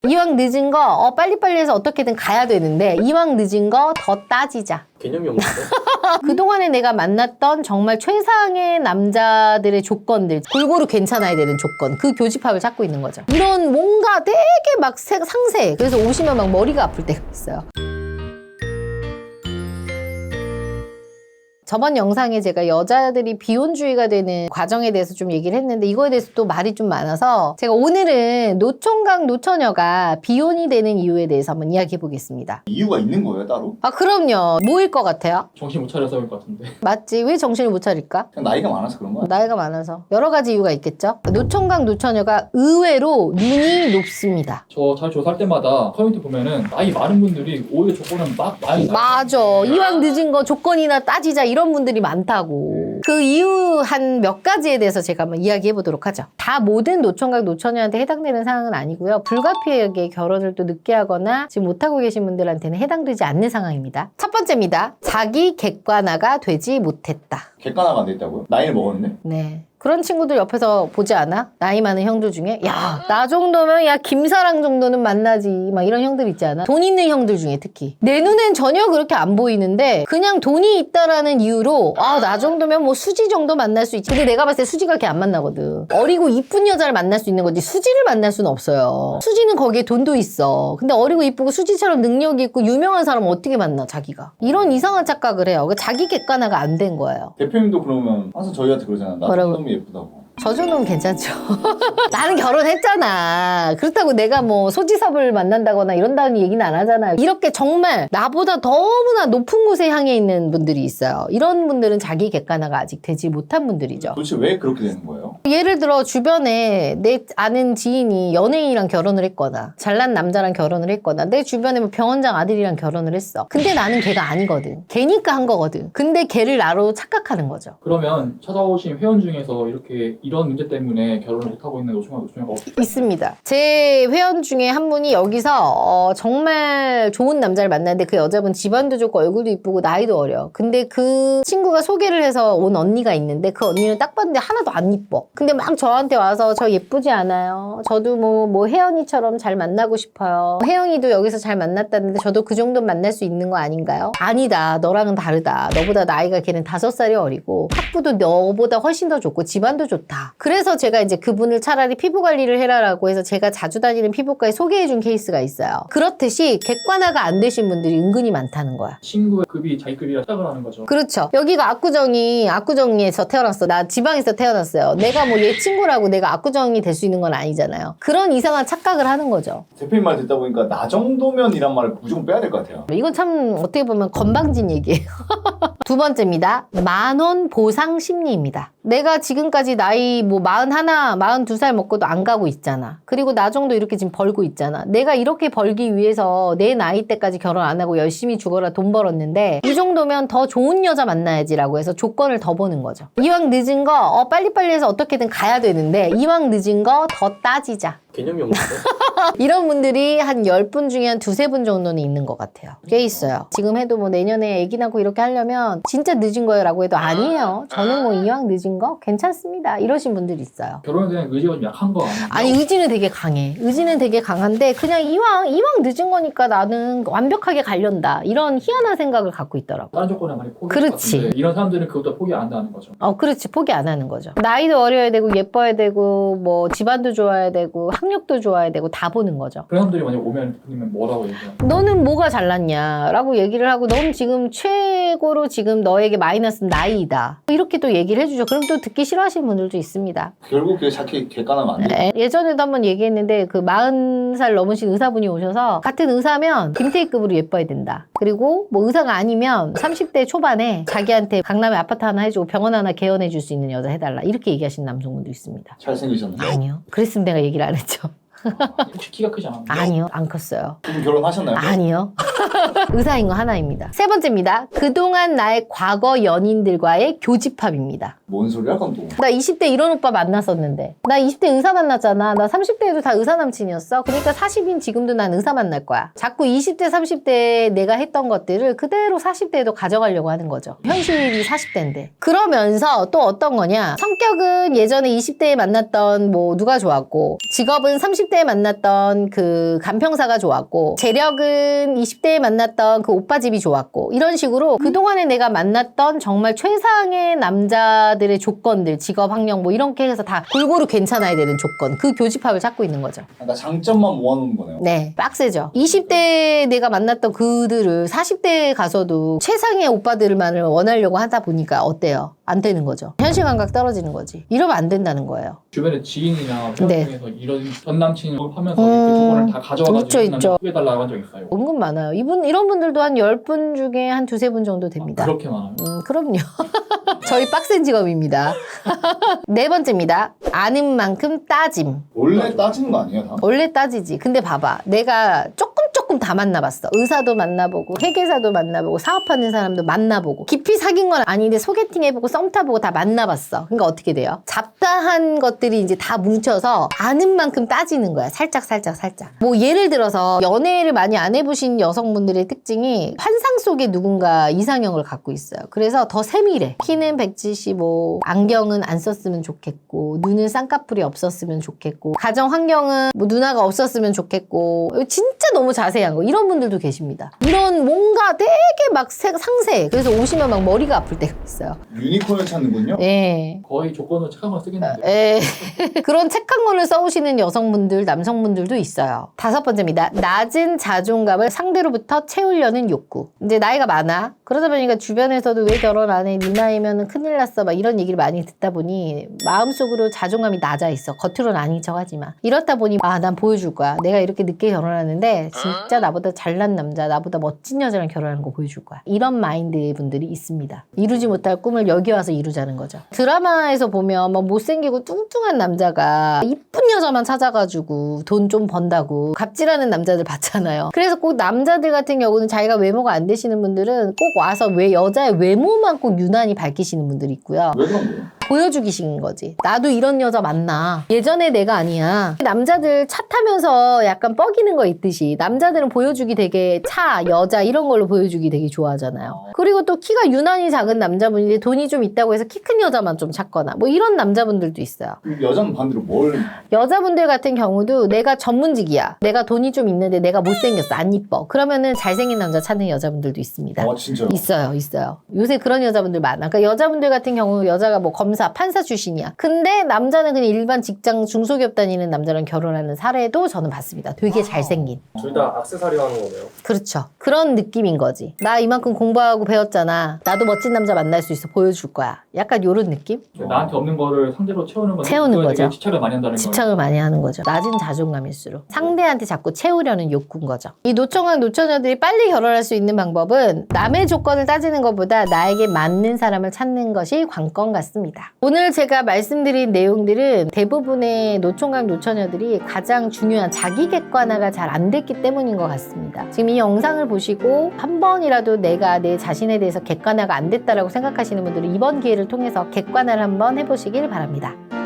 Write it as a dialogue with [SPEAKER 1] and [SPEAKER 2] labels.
[SPEAKER 1] 이왕 늦은 거 빨리빨리 해서 어떻게든 가야 되는데 이왕 늦은 거 더 따지자.
[SPEAKER 2] 개념이 없는데?
[SPEAKER 1] 그동안에 내가 만났던 정말 최상의 남자들의 조건들, 골고루 괜찮아야 되는 조건, 그 교집합을 찾고 있는 거죠. 이런 뭔가 되게 막 상세. 그래서 오시면 막 머리가 아플 때가 있어요. 저번 영상에 제가 여자들이 비혼주의가 되는 과정에 대해서 좀 얘기를 했는데 이거에 대해서 또 말이 좀 많아서 제가 오늘은 노총각 노처녀가 비혼이 되는 이유에 대해서 한번 이야기해 보겠습니다.
[SPEAKER 3] 이유가 있는 거예요 따로?
[SPEAKER 1] 아 그럼요. 뭐일 것 같아요?
[SPEAKER 2] 정신 못 차려서 그럴 것 같은데.
[SPEAKER 1] 맞지? 왜 정신을 못 차릴까?
[SPEAKER 3] 그냥 나이가 많아서 그런 거야?
[SPEAKER 1] 나이가 많아서 여러 가지 이유가 있겠죠. 노총각 노처녀가 의외로 눈이 높습니다.
[SPEAKER 2] 저 잘 조사할 때마다 커뮤니티 보면은 나이 많은 분들이 오히려 조건은 막 많이
[SPEAKER 1] 맞아. 이왕 늦은 거 조건이나 따지자 이런 분들이 많다고. 그 이유 한 몇 가지에 대해서 제가 한번 이야기해 보도록 하죠. 다 모든 노총각 노처녀한테 해당되는 상황은 아니고요. 불가피하게 결혼을 또 늦게 하거나 지금 못하고 계신 분들한테는 해당되지 않는 상황입니다. 첫 번째입니다. 자기 객관화가 되지 못했다.
[SPEAKER 3] 객관화가 안 됐다고요? 나이를 먹었는데?
[SPEAKER 1] 네. 그런 친구들 옆에서 보지 않아? 나이 많은 형들 중에 야, 나 정도면 야 김사랑 정도는 만나지 막 이런 형들 있지 않아? 돈 있는 형들 중에 특히 내 눈엔 전혀 그렇게 안 보이는데 그냥 돈이 있다라는 이유로 아, 나 정도면 뭐 수지 정도 만날 수 있지. 근데 내가 봤을 때 수지가 그렇게 안 만나거든. 어리고 이쁜 여자를 만날 수 있는 거지 수지를 만날 수는 없어요. 수지는 거기에 돈도 있어. 근데 어리고 이쁘고 수지처럼 능력이 있고 유명한 사람은 어떻게 만나 자기가. 이런 이상한 착각을 해요. 자기 객관화가 안 된 거예요.
[SPEAKER 3] 대표님도 그러면 항상 저희한테 그러잖아. 나
[SPEAKER 1] 뭐라고?
[SPEAKER 3] 너무 예쁘다고.
[SPEAKER 1] 저 정도면 괜찮죠. 나는 결혼했잖아. 그렇다고 내가 뭐 소지섭을 만난다거나 이런다는 얘기는 안 하잖아요. 이렇게 정말 나보다 너무나 높은 곳에 향해 있는 분들이 있어요. 이런 분들은 자기 객관화가 아직 되지 못한 분들이죠.
[SPEAKER 3] 도대체 왜 그렇게 되는 거예요?
[SPEAKER 1] 예를 들어 주변에 내 아는 지인이 연예인이랑 결혼을 했거나 잘난 남자랑 결혼을 했거나 내 주변에 뭐 병원장 아들이랑 결혼을 했어. 근데 나는 걔가 아니거든. 걔니까 한 거거든. 근데 걔를 나로 착각하는 거죠.
[SPEAKER 2] 그러면 찾아오신 회원 중에서 이렇게 이런 문제 때문에 결혼을 못하고 있는 노총각 노처녀가
[SPEAKER 1] 있습니다. 제 회원 중에 한 분이 여기서 정말 좋은 남자를 만났는데 그 여자분 집안도 좋고 얼굴도 이쁘고 나이도 어려. 근데 그 친구가 소개를 해서 온 언니가 있는데 그 언니는 딱 봤는데 하나도 안 이뻐. 근데 막 저한테 와서 저 예쁘지 않아요. 저도 뭐 혜연이처럼 잘 만나고 싶어요. 혜영이도 여기서 잘 만났다는데 저도 그 정도 만날 수 있는 거 아닌가요? 아니다. 너랑은 다르다. 너보다 나이가 걔는 5살이 어리고 학부도 너보다 훨씬 더 좋고 집안도 좋다. 그래서 제가 이제 그분을 차라리 피부 관리를 해라라고 해서 제가 자주 다니는 피부과에 소개해준 케이스가 있어요. 그렇듯이 객관화가 안 되신 분들이 은근히 많다는 거야.
[SPEAKER 2] 친구의 급이 자기 급이라 착각을 하는 거죠.
[SPEAKER 1] 그렇죠. 여기가 압구정에서 태어났어. 나 지방에서 태어났어요. 내가 뭐 얘 친구라고 내가 압구정이 될 수 있는 건 아니잖아요. 그런 이상한 착각을 하는 거죠.
[SPEAKER 3] 대표님 말 듣다 보니까 나 정도면이란 말을 무조건 빼야 될 것 같아요.
[SPEAKER 1] 이건 참 어떻게 보면 건방진 얘기예요. 두 번째입니다. 10,000원 보상 심리입니다. 내가 지금까지 나이 뭐 41, 42살 먹고도 안 가고 있잖아. 그리고 나 정도 이렇게 지금 벌고 있잖아. 내가 이렇게 벌기 위해서 내 나이 때까지 결혼 안 하고 열심히 죽어라 돈 벌었는데 이 정도면 더 좋은 여자 만나야지라고 해서 조건을 더 보는 거죠. 이왕 늦은 거 빨리빨리 해서 어떻게든 가야 되는데 이왕 늦은 거 더 따지자.
[SPEAKER 2] 개념이 없는데?
[SPEAKER 1] 이런 분들이 한 10분 중에 한 2-3분 정도는 있는 것 같아요. 꽤 있어요. 지금 해도 뭐 내년에 애기 낳고 이렇게 하려면 진짜 늦은 거예요 라고 해도 아니에요. 저는 뭐 이왕 늦은 거 괜찮습니다. 이러신 분들이 있어요.
[SPEAKER 2] 결혼에 대한 의지가 좀 약한 거 아니에요?
[SPEAKER 1] 아니 의지는 되게 강해. 의지는 되게 강한데 그냥 이왕 늦은 거니까 나는 완벽하게 가련다. 이런 희한한 생각을 갖고 있더라고.
[SPEAKER 2] 다른 조건에 많이 포기할 것
[SPEAKER 1] 그렇지.
[SPEAKER 2] 같은데 이런 사람들은 그것도 포기 안 한다는 거죠.
[SPEAKER 1] 그렇지. 포기 안 하는 거죠. 나이도 어려야 되고 예뻐야 되고 뭐 집안도 좋아야 되고 학력도 좋아야 되고 다 보는 거죠.
[SPEAKER 2] 그런 사람들이 만약 오면 대표님은 뭐라고 얘기해요?
[SPEAKER 1] 너는 뭐가 잘났냐 라고 얘기를 하고 넌 지금 최고로 지금 너에게 마이너스는 나이다. 이렇게 또 얘기를 해주죠. 그럼 또 듣기 싫어하시는 분들도 있습니다.
[SPEAKER 3] 결국 그게 자기 객관화면 안 돼.
[SPEAKER 1] 예전에도 한번 얘기했는데 그 40살 넘으신 의사분이 오셔서 같은 의사면 김태희급으로 예뻐야 된다. 그리고 뭐 의사가 아니면 30대 초반에 자기한테 강남에 아파트 하나 해주고 병원 하나 개원해 줄 수 있는 여자 해달라. 이렇게 얘기하시는 남성분도 있습니다.
[SPEAKER 3] 잘생기셨나요?
[SPEAKER 1] 아니요. 그랬으면 내가 얘기를 안 했죠.
[SPEAKER 2] 혹시 키가 크지 않았나요?
[SPEAKER 1] 아니요. 안 컸어요.
[SPEAKER 3] 지금 결혼하셨나요?
[SPEAKER 1] 아니요. 의사인 거 하나입니다. 세 번째입니다. 그동안 나의 과거 연인들과의 교집합입니다.
[SPEAKER 3] 뭔 소리야 그럼 또.
[SPEAKER 1] 나 20대 이런 오빠 만났었는데 나 20대 의사 만났잖아. 나 30대에도 다 의사 남친이었어. 그러니까 40인 지금도 난 의사 만날 거야. 자꾸 20대 30대에 내가 했던 것들을 그대로 40대에도 가져가려고 하는 거죠. 현실이 40대인데. 그러면서 또 어떤 거냐. 성격은 예전에 20대에 만났던 뭐 누가 좋았고, 직업은 30대에 만났던 그 간평사가 좋았고, 재력은 20대에 만났던 그 오빠 집이 좋았고, 이런 식으로 그동안에 내가 만났던 정말 최상의 남자들의 조건들, 직업, 학력 뭐 이렇게 해서 다 골고루 괜찮아야 되는 조건, 그 교집합을 찾고 있는 거죠.
[SPEAKER 3] 그러니까 장점만 모아놓은 거네요.
[SPEAKER 1] 네, 빡세죠. 20대에 내가 만났던 그들을 40대에 가서도 최상의 오빠들만을 원하려고 하다 보니까 어때요? 안 되는 거죠. 현실 감각 떨어지는 거지. 이러면 안 된다는 거예요.
[SPEAKER 2] 주변에 지인이나 회원
[SPEAKER 1] 네.
[SPEAKER 2] 중에서 이런 전 남친을 하면서 이렇게 조건을 다 가져와가지고
[SPEAKER 1] 있죠.
[SPEAKER 2] 해달라고 한 적 있어요.
[SPEAKER 1] 은근 많아요. 이런 분들도 한 10분 중에 한 두세 분 정도 됩니다.
[SPEAKER 2] 그렇게 많아요?
[SPEAKER 1] 그럼요. 저희 빡센 직업입니다. 네 번째입니다. 아는 만큼 따짐.
[SPEAKER 3] 원래 따지는 거 아니에요 다?
[SPEAKER 1] 원래 따지지. 근데 봐봐. 내가 조금 다 만나봤어. 의사도 만나보고 회계사도 만나보고 사업하는 사람도 만나보고 깊이 사귄 건 아닌데 소개팅 해보고 썸 타보고 다 만나봤어. 그러니까 어떻게 돼요? 잡다한 것들이 이제 다 뭉쳐서 아는 만큼 따지는 거야. 살짝. 뭐 예를 들어서 연애를 많이 안 해보신 여성분들의 특징이 환상 속에 누군가 이상형을 갖고 있어요. 그래서 더 세밀해. 키는 175, 안경은 안 썼으면 좋겠고, 눈은 쌍꺼풀이 없었으면 좋겠고, 가정 환경은 뭐 누나가 없었으면 좋겠고, 진짜 너무 자세한 거. 이런 분들도 계십니다. 이런 뭔가 되게 막 상세해. 그래서 오시면 막 머리가 아플 때가 있어요.
[SPEAKER 3] 유니콘을 찾는군요.
[SPEAKER 1] 예.
[SPEAKER 2] 거의 조건을 착한 걸 쓰겠는데.
[SPEAKER 1] 예. 그런 책한 권을 써오시는 여성분들, 남성분들도 있어요. 다섯 번째입니다. 낮은 자존감을 상대로부터 채우려는 욕구. 이제 나이가 많아. 그러다 보니까 주변에서도 왜 결혼 안 해? 네 나이면 큰일 났어. 막 이런 얘기를 많이 듣다 보니 마음속으로 자존감이 낮아 있어. 겉으로는 아닌 척 하지만. 이렇다 보니 난 보여줄 거야. 내가 이렇게 늦게 결혼하는데 진짜 나보다 잘난 남자, 나보다 멋진 여자랑 결혼하는 거 보여줄 거야. 이런 마인드의 분들이 있습니다. 이루지 못할 꿈을 여기 와서 이루자는 거죠. 드라마에서 보면 막 못생기고 뚱뚱한 남자가 이쁜 여자만 찾아가지고 돈 좀 번다고 갑질하는 남자들 봤잖아요. 그래서 꼭 남자들 같은 경우는 자기가 외모가 안 되시는 분들은 꼭 와서 왜 여자의 외모만 꼭 유난히 밝히시는 분들이 있고요.
[SPEAKER 3] 왜 그런 거예요?
[SPEAKER 1] 보여주기식인 거지. 나도 이런 여자 만나. 예전에 내가 아니야. 남자들 차 타면서 약간 뻐기는 거 있듯이 남자들은 보여주기 되게 차, 여자 이런 걸로 보여주기 되게 좋아하잖아요. 그리고 또 키가 유난히 작은 남자분인데 돈이 좀 있다고 해서 키 큰 여자만 좀 찾거나 뭐 이런 남자분들도 있어요.
[SPEAKER 3] 여자는 반대로 뭘?
[SPEAKER 1] 여자분들 같은 경우도 내가 전문직이야. 내가 돈이 좀 있는데 내가 못생겼어. 안 이뻐. 그러면은 잘생긴 남자 찾는 여자분들도 있습니다.
[SPEAKER 3] 진짜요?
[SPEAKER 1] 있어요. 요새 그런 여자분들 많아. 그러니까 여자분들 같은 경우 여자가 뭐 검사, 판사 출신이야. 근데 남자는 그냥 일반 직장 중소기업 다니는 남자랑 결혼하는 사례도 저는 봤습니다. 되게 잘생긴.
[SPEAKER 4] 둘 다 액세서리 하는 거네요.
[SPEAKER 1] 그렇죠. 그런 느낌인 거지. 나 이만큼 공부하고 배웠잖아. 나도 멋진 남자 만날 수 있어. 보여줄 거야. 약간 요런 느낌?
[SPEAKER 2] 나한테 없는 거를 상대로 채우는 건
[SPEAKER 1] 채우는
[SPEAKER 2] 그거에 되게
[SPEAKER 1] 거죠.
[SPEAKER 2] 집착을 많이 한다는 거예요.
[SPEAKER 1] 집착을 많이 하는 거죠. 낮은 자존감일수록 상대한테 자꾸 채우려는 욕구인 거죠. 이 노총각 노처녀들이 빨리 결혼할 수 있는 방법은 남의 조건을 따지는 것보다 나에게 맞는 사람을 찾는 것이 관건 같습니다. 오늘 제가 말씀드린 내용들은 대부분의 노총각 노처녀들이 가장 중요한 자기 객관화가 잘 안 됐기 때문인 것 같습니다. 지금 이 영상을 보시고 한 번이라도 내가 내 자신에 대해서 객관화가 안 됐다라고 생각하시는 분들은 이번 기회를 통해서 객관화를 한번 해보시길 바랍니다.